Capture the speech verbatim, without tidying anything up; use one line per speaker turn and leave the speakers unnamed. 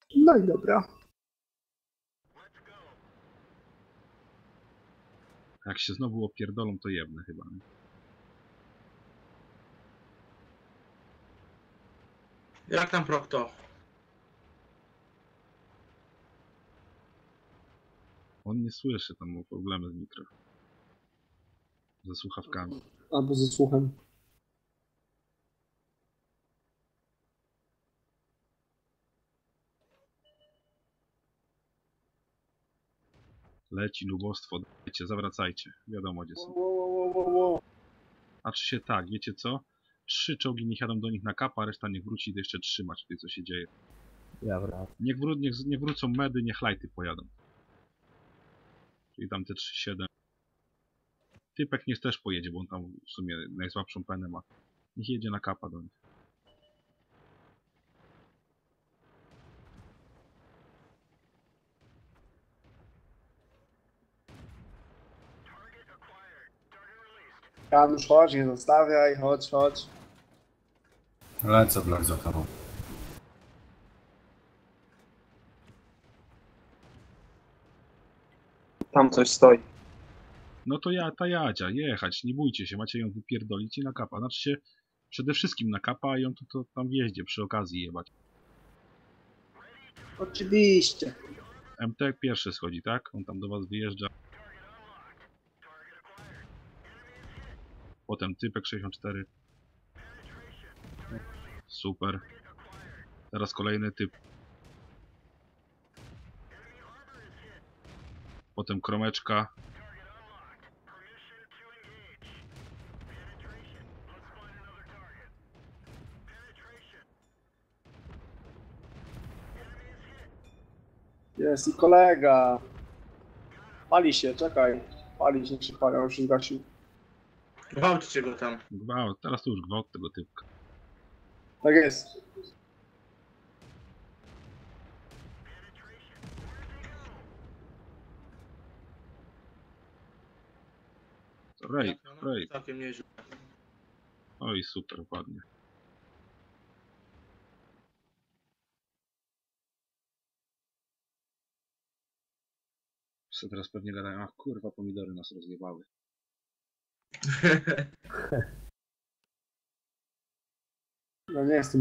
No i dobra.
Jak się znowu opierdolą, to jebne chyba. Nie?
Jak tam Prokto?
On nie słyszy, tam ma problemy z mikro. Ze słuchawkami.
Albo ze słuchem.
Leci nubostwo, dajcie, zawracajcie. Wiadomo gdzie są.
Wo, wo, wo, wo.
A czy się tak, wiecie co? Trzy czołgi niech jadą do nich na kapa, a reszta niech wróci i jeszcze trzymać tutaj co się dzieje.
Ja wracam.
Niech, wró niech, niech wrócą medy, niech lajty pojadą. Czyli tam te trzy siedem. Typek niech też pojedzie, bo on tam w sumie najsłabszą penę ma. Niech jedzie na kapa do nich.
Janusz, chodź, nie zostawiaj, chodź, chodź.
Lecę blok za tobą.
Tam coś stoi.
No to ja, ta Jadzia, jechać, nie bójcie się, macie ją wypierdolić i na kapa. Znaczy się, przede wszystkim na kapa, a ją to, to tam w jeździe przy okazji jebać.
Oczywiście.
M T pierwszy schodzi, tak? On tam do was wyjeżdża. Potem typek sześćdziesiąt cztery. Super. Teraz kolejny typ. Potem kromeczka.
Jest i kolega. Pali się, czekaj. Pali się, się pali, on już się zgasił.
Gwałćcie go tam.
Gwałt, teraz to już gwałt tego typka.
Tak jest.
Raid, raid.
Całkiem nieźle.
Oj, super, ładnie. Co teraz pewnie gadają, ach kurwa, pomidory nas rozjebały.
No nie jestem